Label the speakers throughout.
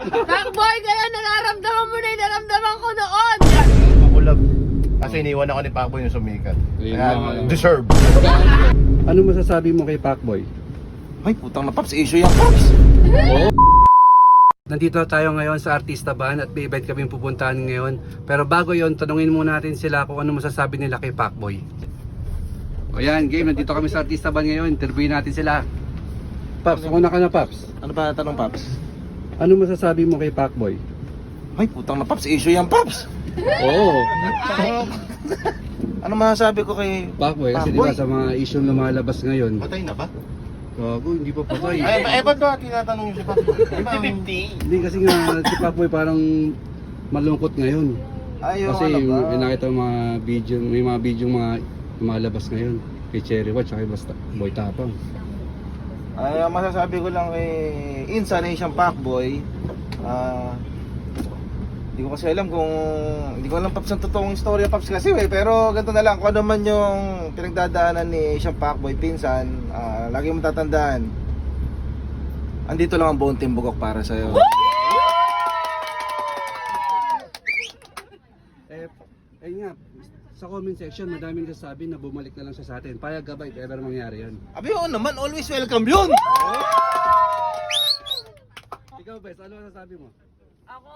Speaker 1: Pacboy, kaya nararamdaman mo na yung naramdaman ko noon.
Speaker 2: Makulab. Kasi iniwan ako ni Pacboy yung sumikat. Kaya deserve.
Speaker 3: Ano masasabi mo kay Pacboy?
Speaker 2: Ay, putang na Paps, issue yung Paps.
Speaker 3: Oo. Nandito tayo ngayon sa Artista Ban at may event kaming pupuntahan ngayon. Pero bago yon, tanungin muna natin sila kung ano masasabi nila kay Pacboy. O yan, game. Nandito kami sa Artista Ban ngayon. Interviewin natin sila. Paps, una ka na Paps.
Speaker 2: Ano ba tanong Paps?
Speaker 3: Ano masasabi mo kay Pacboy?
Speaker 2: Ay, putang na Paps, issue yung Paps.
Speaker 3: Oo.
Speaker 2: Ano masasabi ko kay
Speaker 3: Pacboy, kasi
Speaker 2: Pacboy?
Speaker 3: diba sa mga issue na lumalabas ngayon.
Speaker 2: Patay na ba?
Speaker 3: Gago, hindi pa patay.
Speaker 2: Ay, ba't ba tinatanong yung si Pacboy? 50-50.
Speaker 3: Hindi kasi nga si Pacboy parang malungkot ngayon.
Speaker 2: Ay,
Speaker 3: Kasi may nakita mga video, may mga video mga lumalabas ngayon kay Cherry Watch at basta Boy Tapang.
Speaker 2: Ay, ang masasabi ko lang kay Insan na siyang Pacboy, hindi ko kasi alam kung, hindi ko alam Paps ang totoong istorya Paps kasi pero ganito na lang, kung ano man yung pinagdadaanan ni siyang Pacboy, pinsan, lagi mong tatandaan, andito lang ang buong Timbukok para sa'yo.
Speaker 3: Eh nga, sa comment section madaming nagsasabi na bumalik na lang siya sa atin. Payag ka ba if ever mangyari yan?
Speaker 2: Abi, oo naman, always welcome yun!
Speaker 3: Ikaw Bes, ano masasabi mo?
Speaker 1: Ako,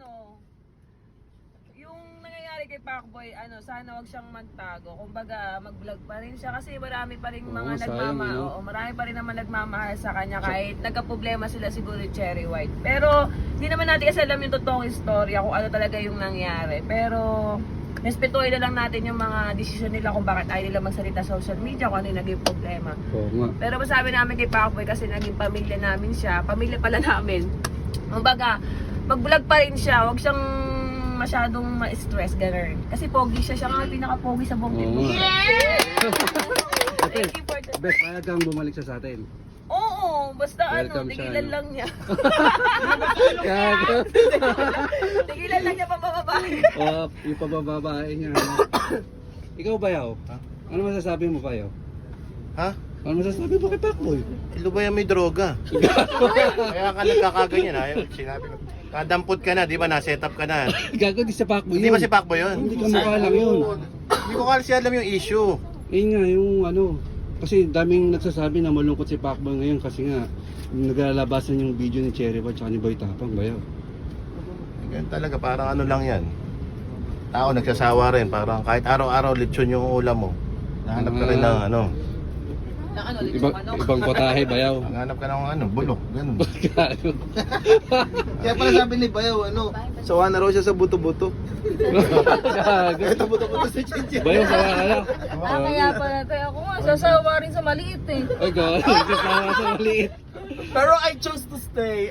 Speaker 1: yung nangyayari kay Pacboy, sana wag siyang magtago. Kumbaga, mag-vlog pa rin siya kasi marami pa rin mga
Speaker 3: Oo, sayang, no?
Speaker 1: marami pa rin naman nagmamahal sa kanya kahit nagka-problema sila siguro yung Cherry White. Pero, hindi naman natin kasi alam yung totoong istorya kung ano talaga yung nangyari. Pero, respetuhin na lang natin yung mga desisyon nila kung bakit ayaw nila magsalita sa social media, kung ano yung naging problema.
Speaker 3: Oo nga.
Speaker 1: Pero masabi namin kay Pacboy kasi naging pamilya namin siya, pamilya pala namin. Kumbaga, mag-vlog pa rin siya, wag siyang masyadong ma-stress, gano'n. Kasi pogi siya, siya nga pinaka-pogi sa buong team.
Speaker 3: Oo nga.
Speaker 1: Thank you for that.
Speaker 3: Bes, payag kang bumalik siya sa atin.
Speaker 1: Oo, basta
Speaker 3: Welcome siya,
Speaker 1: tigilan
Speaker 3: no?
Speaker 1: lang niya.
Speaker 3: Gago.
Speaker 1: Tigilan lang niya pabababae.
Speaker 3: Yung pabababae niya. Ikaw Bayaw?
Speaker 2: Ha?
Speaker 3: Ano masasabi mo Bayaw?
Speaker 2: Ha?
Speaker 3: Ano masasabi mo kay Pacboy?
Speaker 2: Ilo ba yan may droga? Kaya ka nagkakaganyan, ayaw, sinabi ko. Kadampot ka na, di ba? Na-set up ka na.
Speaker 3: Gago, di sa Pacboy
Speaker 2: Hindi
Speaker 3: yun.
Speaker 2: ba si Pacboy yun?
Speaker 3: Hindi ka mukha lang yun.
Speaker 2: Hindi ko kasi alam yung issue.
Speaker 3: Yun nga, yung kasi daming nagsasabi na malungkot si Pacboy ngayon kasi nga naglalabasan yung video ni Cherry Watch at ni Boy Tapang, Bayaw.
Speaker 2: Ganyan talaga, parang ano lang yan. Tao nagsasawa rin, parang kahit araw-araw lechon yung ulam mo. Nahanap ka rin ng ano.
Speaker 3: Ibang potahe, Bayaw.
Speaker 2: Nahanap ka ng bulok, ganun.
Speaker 3: Gago.
Speaker 2: Kaya pala sabi ni Bayaw, sawa na raw siya sa buto-buto.
Speaker 3: Gago.
Speaker 2: Ito buto-buto sa chinchin.
Speaker 3: Bayaw, sawa ka na.
Speaker 1: Kaya pala tayo ako nga, sasawa rin sa maliit eh.
Speaker 3: Ay, gago. Sawa sa maliit.
Speaker 2: Pero I chose to stay.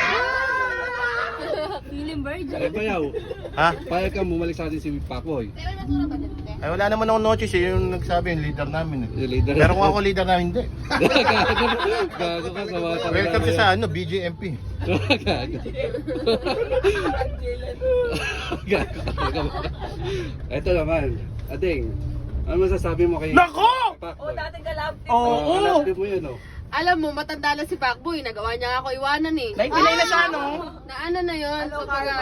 Speaker 1: Feeling virgin.
Speaker 3: Ay, Bayaw.
Speaker 2: Ha?
Speaker 3: Payag kang bumalik sa atin si Pacboy.
Speaker 2: Ay wala naman akong notice, yung nagsabi yung leader namin.
Speaker 3: Yung leader.
Speaker 2: Pero kung ako leader namin, hindi.
Speaker 3: Gago ka, sawa ka.
Speaker 2: Welcome siya sa BJMP.
Speaker 3: Gago. Gago. Ito naman, Ading. Ano masasabi mo kay
Speaker 2: Nako!
Speaker 1: Oo, dating kalab.
Speaker 2: Oo!
Speaker 3: Kalapin mo yun,
Speaker 1: Alam mo, matanda na si Pacboy. Nagawa niya ako iwanan eh.
Speaker 2: 99 na siya, no?
Speaker 1: Na ano na yun? Kumbaga,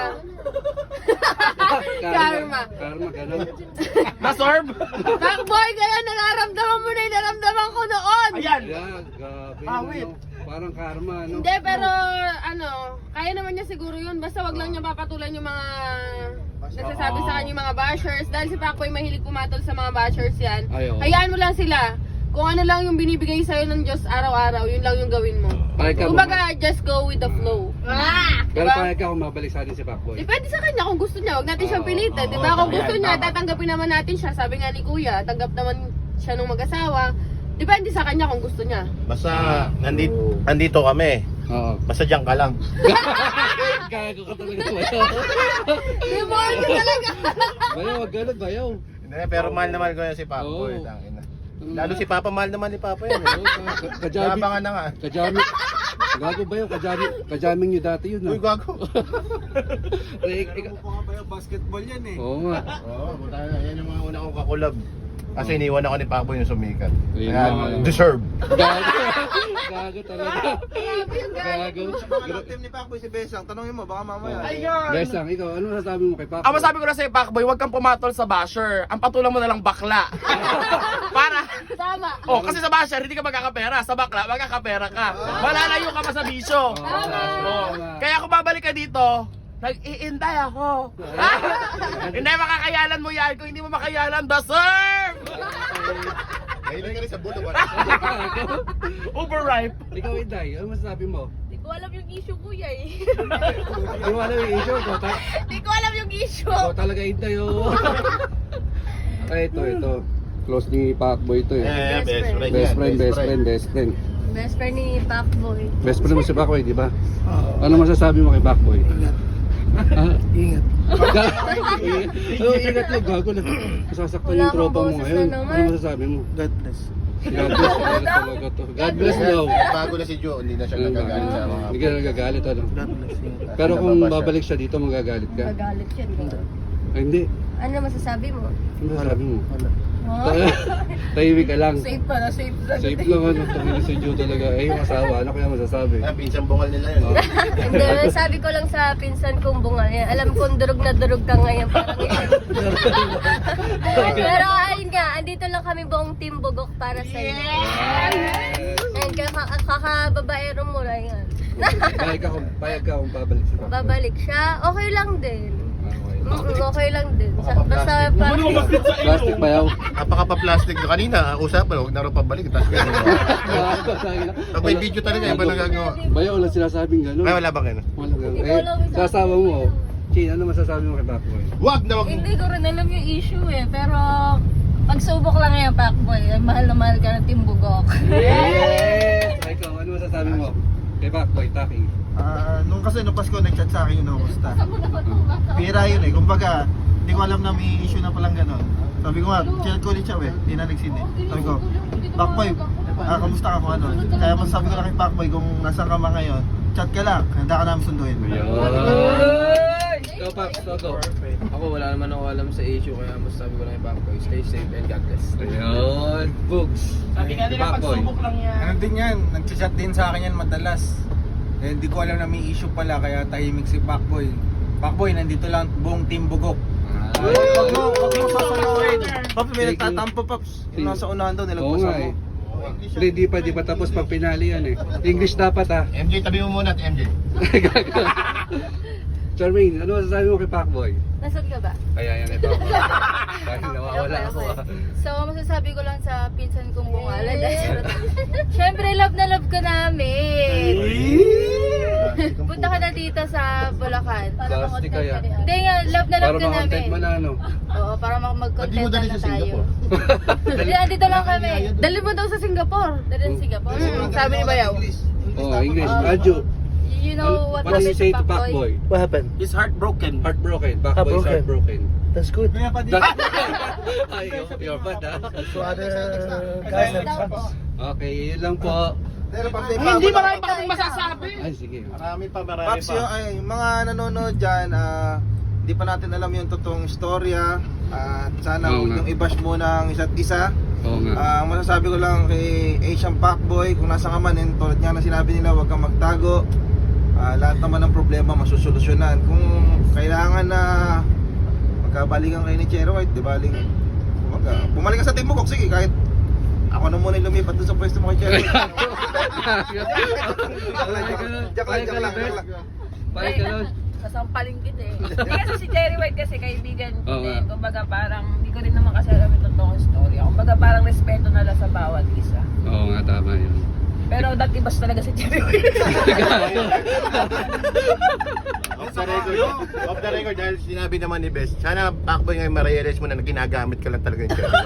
Speaker 3: Karma. Karma, ganun.
Speaker 2: Nasorb!
Speaker 1: Pacboy, kaya nararamdaman mo na yung naramdaman ko noon.
Speaker 2: Ayan!
Speaker 3: Yeah, gabi.
Speaker 2: Awit.
Speaker 3: Parang karma, no?
Speaker 1: Hindi, pero kaya naman niya siguro yun. Basta wag lang niya papatulan yung mga nagsasabi sa kanya yung mga bashers. Dahil si Pacboy mahilig pumatol sa mga bashers yan.
Speaker 3: Ay, oo.
Speaker 1: Hayaan mo lang sila. Kung ano lang yung binibigay sa'yo ng Diyos araw-araw, yun lang yung gawin mo.
Speaker 3: Payag ka
Speaker 1: Kumbaga, just go with the flow.
Speaker 3: Pero
Speaker 1: Diba?
Speaker 3: payag ka kung mabalik sa atin si Pacboy.
Speaker 1: Depende sa kanya kung gusto niya. Huwag natin siyang
Speaker 3: Oo,
Speaker 1: pilitin.
Speaker 3: oo,
Speaker 1: Diba? Kung
Speaker 2: tama
Speaker 1: gusto
Speaker 2: yan,
Speaker 1: niya,
Speaker 2: tama.
Speaker 1: tatanggapin naman natin siya. Sabi nga ni Kuya, tanggap naman siya nung mag-asawa. Depende sa kanya kung gusto niya.
Speaker 2: Basta nandito kami.
Speaker 3: Oo.
Speaker 2: Basta diyan ka lang.
Speaker 3: Gago ka talaga, Bayaw.
Speaker 1: Reward ka talaga!
Speaker 3: Bayaw, wag ganun, Bayaw.
Speaker 2: Hindi, pero mahal na mahal ko yan si Pacboy.
Speaker 3: Oo.
Speaker 2: Tangina. Lalo si Papa, mahal naman ni Papa yan.
Speaker 3: Kajami.
Speaker 2: Nabangan na nga.
Speaker 3: Kajami. Gago Bayaw, kajaming nyo dati yun,
Speaker 2: Uy, gago.
Speaker 3: Ikaw
Speaker 2: basketball yan eh.
Speaker 3: Oo nga.
Speaker 2: Oo, yan yung mga una kong kakulab.
Speaker 4: Kasi iniwan ako ni Pacboy yung sumikat.
Speaker 3: Ayun
Speaker 4: Kaya,
Speaker 3: lang.
Speaker 4: deserve.
Speaker 3: Gago talaga. Gago.
Speaker 2: Ano team ni Pacboy si Besang? Tanongin mo, baka mamaya.
Speaker 3: Besang, ikaw, ano masasabi mo kay Pacboy?
Speaker 5: Ang masabi ko na sa'yo, Pacboy, huwag kang pumatol sa basher. Ang patulang mo na lang bakla. Para.
Speaker 6: Tama.
Speaker 5: Oh, kasi sa basher, hindi ka magkakapera. Sa bakla, magkakapera ka. Malalayo ka pa sa bisyo. Oh. Kaya kung babalik ka dito, nag-iinday ako. Hindi makakayalan mo yan. Kung hindi mo makayalan, deserve!
Speaker 4: Mahilig ka rin sa buto.
Speaker 5: Overripe.
Speaker 3: Ikaw, Inday, ano masasabi mo?
Speaker 6: Hindi ko alam yung issue, kuya eh.
Speaker 3: Hindi mo alam yung issue ko.
Speaker 6: Hindi ko alam yung issue.
Speaker 3: Ikaw talaga, Inday, oh. Ay, ito. Close ni Pacboy ito eh. Best friend.
Speaker 6: Best friend ni Pacboy.
Speaker 3: Best friend mo si Pacboy, di ba? Ano masasabi mo kay Pacboy? Ingat. Ingat mo, gago na. Masasaktan
Speaker 6: Wala
Speaker 3: yung tropa
Speaker 6: kang
Speaker 3: mo
Speaker 6: boses
Speaker 3: ngayon.
Speaker 6: na naman.
Speaker 3: Ano masasabi mo? God bless. God bless talaga to. God bless daw.
Speaker 4: Bago na si Joe, hindi na siya nagagalit sa mga...
Speaker 3: Hindi ka nagagalit, ano? Pero kung babalik siya dito, magagalit ka?
Speaker 6: Magalit yan.
Speaker 3: Ay, hindi.
Speaker 6: Ano masasabi mo?
Speaker 3: Ano masasabi mo?
Speaker 6: Huh?
Speaker 3: Tahimik ka lang.
Speaker 1: Safe pa na, safe na.
Speaker 3: Safe lang, ano? Tangin si Joe talaga. Eh, yung asawa, ano kaya masasabi?
Speaker 4: Ah, pinsang bungal nila yun.
Speaker 6: Hindi, sabi ko lang sa pinsan kong bungal yan. Alam kong durog na durog ka ngayon. Parang yan. Pero ayun nga, andito lang kami buong team Bugok para sa iyo. And kakababaero mo lang yan.
Speaker 3: Payag ka kung babalik siya.
Speaker 6: Babalik siya, okay lang din.
Speaker 3: Okay.
Speaker 6: Okay lang din. Basta parang...
Speaker 3: Plastic ba yaw?
Speaker 4: Napaka-plastic na kanina, usapan, huwag na rin pabalik. Tapos gano'n. Pag may video talaga, iba nagagawa.
Speaker 3: Bayaw, wala sinasabing gano'n.
Speaker 4: Ay, wala ba gano'n?
Speaker 3: Wala gano'n. Eh, sasawa mo. Chin, ano masasabi mo kay Pacboy?
Speaker 4: Wag na wag.
Speaker 6: Hindi ko rin alam yung issue eh, pero pagsubok lang yan, Pacboy. Mahal na mahal ka ng Team Bugok.
Speaker 3: Yes! Ikaw, ano masasabi mo kay Pacboy, Taki?
Speaker 2: Nung Pasko, nag-chat sa akin yung kumusta. Pira yun eh. Kumbaga, hindi ko alam na may issue na palang gano'n. Sabi ko nga, chat ko ulit siya eh. Hindi na nagsin eh. Sabi ko, Pacboy, kamusta ka kung ano? Kaya masasabi ko lang kay Pacboy kung nasaan ka man ngayon, chat ka lang. Handa ka namin sunduin.
Speaker 3: Ikaw, Pac, go.
Speaker 7: Ako wala naman ako alam sa issue kaya masasabi ko lang kay Pacboy, stay safe and God bless.
Speaker 3: Ayun, Bugs.
Speaker 5: Sabi nga nila,
Speaker 3: Pacboy.
Speaker 5: pagsubok lang yan.
Speaker 8: Ano din yan, nag-chat din sa akin yan madalas. Eh, hindi ko alam na may issue pala kaya tahimik si Pacboy. Pacboy, nandito lang buong team Bugok.
Speaker 2: Wag mo sasaluhin. Paps, may nagtatampo, Paps. Yung nasa unahan daw,
Speaker 3: Oo
Speaker 2: nilagpas
Speaker 3: nga
Speaker 2: ako.
Speaker 3: eh. Hindi, di pa tapos pag pinali yan eh. English dapat ah.
Speaker 4: MJ, tabi mo muna at MJ.
Speaker 3: Charmaine, ano masasabi mo kay Pacboy?
Speaker 6: Nasaan ka ba?
Speaker 3: Kaya yan ito. Dahil nawawala ako ah.
Speaker 6: So, masasabi ko lang sa pinsan kong bungalan. Siyempre, love na love ka namin. Punta ka na dito sa Bulacan.
Speaker 3: Plastic kaya.
Speaker 6: Hindi nga, love na
Speaker 3: Para
Speaker 6: love ka
Speaker 3: ma-content
Speaker 6: namin.
Speaker 3: mo na ano.
Speaker 6: Oo, para
Speaker 4: Ba't di mo
Speaker 6: mag-content
Speaker 4: dali
Speaker 6: na
Speaker 4: sa
Speaker 6: tayo.
Speaker 4: Singapore?
Speaker 6: Dali, andito lang kami. Dali mo daw sa Singapore. Dali sa Singapore. Sabi ni Bayaw.
Speaker 3: Oh, English. Adjo.
Speaker 6: You know what
Speaker 3: do you say to
Speaker 6: Pacboy?
Speaker 3: Pacboy?
Speaker 2: What happened?
Speaker 5: He's heartbroken.
Speaker 3: Heartbroken. Pacboy is heartbroken.
Speaker 2: That's good.
Speaker 3: Ay, you're bad ah.
Speaker 2: So other guys
Speaker 3: Okay, yun lang po.
Speaker 5: Hindi marami pa kaming masasabi.
Speaker 3: Ay, sige.
Speaker 4: Marami pa.
Speaker 2: Paps, yung mga nanonood dyan, hindi pa natin alam yung totoong istorya. At sana
Speaker 3: Oo nga.
Speaker 2: yung i-bash muna ang isa't isa.
Speaker 3: Oo nga.
Speaker 2: Masasabi ko lang kay Asian Pacboy, kung nasa ka man, tulad nga na sinabi nila, huwag kang magtago. Lahat naman ng problema masusolusyonan. Kung kailangan na magkabalikan kayo ni Cherry White, di baling bumalik ka sa Team Bugok, sige, kahit ako na muna yung lumipat doon sa pwesto mo kay Cherry White. Joke lang.
Speaker 3: Bye ka nun.
Speaker 1: Sasampaling kita eh. Hindi kasi si Cherry White kasi kaibigan ko
Speaker 3: Oo nga.
Speaker 1: din. Kumbaga parang, hindi ko rin naman kasi alam yung totoong story. Kumbaga parang respeto na lang sa bawat isa.
Speaker 3: Oo nga, tama yun.
Speaker 1: Pero dati bas talaga si Cherry White.
Speaker 4: Off the record, dahil sinabi naman ni Best, sana Pacboy ngayon ma-realize mo na ginagamit ka lang talaga yung Cherry.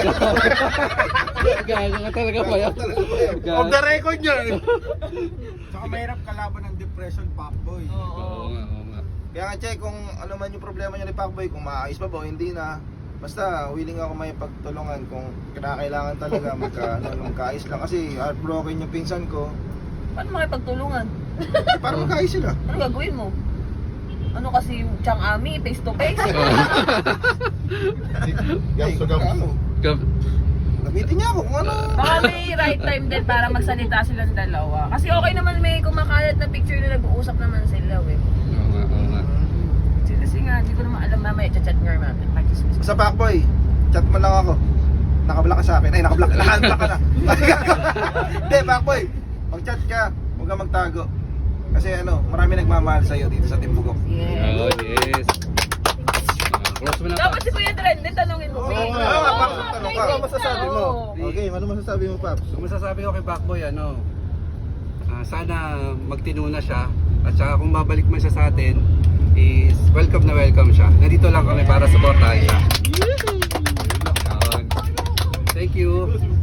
Speaker 3: Gago ka talaga ba yan?
Speaker 4: Off the record niya!
Speaker 8: Saka mahirap kalaban ng depression, Pacboy.
Speaker 3: Oo nga.
Speaker 2: Kaya nga check kung ano man yung problema niya ni Pacboy, kung maayos pa ba o hindi na. Basta willing ako may pagtulungan kung kinakailangan talaga magkaayos lang kasi heartbroken yung pinsan ko.
Speaker 1: Paano makipagtulungan?
Speaker 2: Para magkaayos sila.
Speaker 1: Ano gagawin mo? Ano kasi yung Chang Ami, face to face?
Speaker 4: Gam, so gam.
Speaker 2: Ano? Gamitin niya ako kung ano.
Speaker 1: Baka may right time din para magsalita silang dalawa. Kasi okay naman may kumakalat na picture na nag-uusap naman sila eh.
Speaker 3: Oo nga.
Speaker 1: Kasi nga, hindi ko naman alam mamaya, chat nga namin.
Speaker 2: Sa Pacboy, chat mo lang ako. Nakablock ka sa akin. Ay, nakablock ka. Naka-unblock ka na. Hindi, Pacboy. Mag-chat ka. Huwag ka magtago. Kasi ano, marami nagmamahal sa'yo dito sa Timbukok.
Speaker 1: Yeah.
Speaker 3: Oh, yes. Close mo na
Speaker 1: Dapat
Speaker 3: pa.
Speaker 1: si Kuya Dren, din tanongin mo.
Speaker 2: Oo nga, Paps, tanong ka. Ano masasabi mo? Okay, ano masasabi mo, Paps?
Speaker 3: Ang masasabi ko kay Pacboy, sana magtinuna siya. At saka kung babalik man siya sa atin, is welcome na welcome siya. Nandito lang kami para supportahan siya. Yun. Thank you.